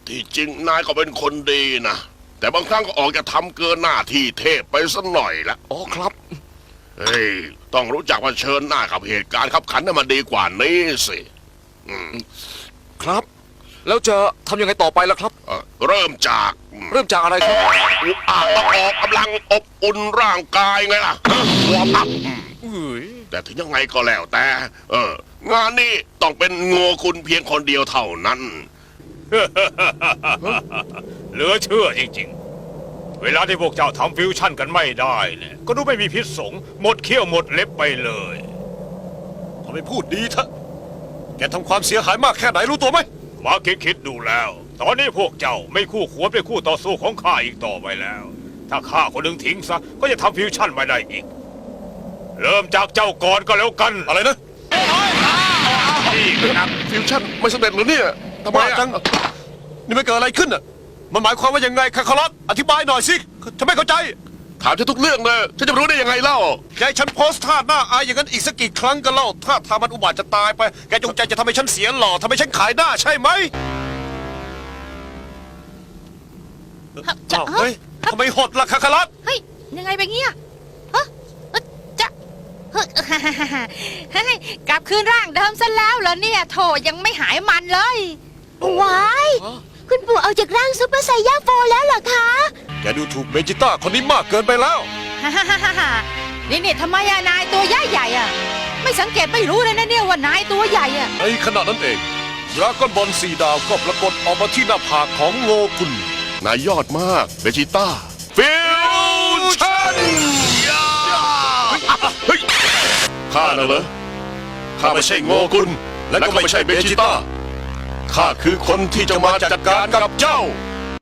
ที่จริงนายก็เป็นคนดีนะแต่บางครั้งก็ออกจะทำเกินหน้าที่เทพไปสักหน่อยละอ๋อครับเฮ้ยต้องรู้จักเผชิญหน้ากับเหตุการณ์ขับขันให้มันดีกว่านี้สิครับแล้วจะทำยังไงต่อไปล่ะครับเริ่มจากอะไรครับต้องออกกำลังอบอุ่นร่างกายไงล่ะวอร์มอัพแต่ถึงยังไงก็แล้วแต่งานนี้ต้องเป็นโง่คุณเพียงคนเดียวเท่านั้นเหลือเชื่อจริงๆเวลาที่พวกเจ้าทำฟิวชั่นกันไม่ได้เนี่ยก็ดูไม่มีพิษสงหมดเขี้ยวหมดเล็บไปเลยทำไมพูดดีเถอะแกทำความเสียหายมากแค่ไหนรู้ตัวไหมมาคิดดูแล้ว ตอนนี้พวกเจ้าไม่คู่ควรเป็นคู่ต่อสู้ของข้าอีกต่อไปแล้ว ถ้าข้าคนหนึ่งทิ้งซะก็จะทำฟิวชั่นไม่ได้อีกเริ่มจากเจ้าก่อนก็แล้วกันอะไรนะนี่นะฟิวชั่นไม่สำเร็จหรือเนี่ยทำไมจังนี่มันเกิดอะไรขึ้นอ่ะมันหมายความว่ายังไงคาคารัสอธิบายหน่อยสิฉันไม่เข้าใจถามฉันทุกเรื่องเลยฉันจะรู้ได้ยังไงเล่าแกฉันโพสท่าหน้าอายอย่างนั้นอีกสักกี่ครั้งกันเล่าถ้าทำมันอุบาทจะตายไปแกจงใจจะทำให้ฉันเสียหล่อทำให้ฉันขายหน้าใช่ไหมเฮ้ยทำไมหดล่ะคาคารัสเฮ้ยยังไงแบบนี้ฮะจะกลับคืนร่างเดิมซะแล้วเหรอเนี่ยโถยังไม่หายมันเลยว้ายคุณปู่เอาจากร่างซุปเปอร์ไซย่าโฟแล้วเหรอคะแกดูถูกเบจิต้าคนนี้มากเกินไปแล้วนี่ทำไมนายตัวใหญ่อะไม่สังเกตไม่รู้เลยนะเนี่ยว่านายตัวใหญ่อะในขณะนั้นเองดราก้อนบอล4 ดาวก็ปรากฏออกมาที่หน้าผากของโงกุลนายยอดมากเบจิต้าฟิวชั่นเฮ้ยข้าน่ะเหรอข้าไม่ใช่โงกุลและก็ไม่ใช่เบจิต้าข้าคือคนที่จะมาจัดการกับเจ้า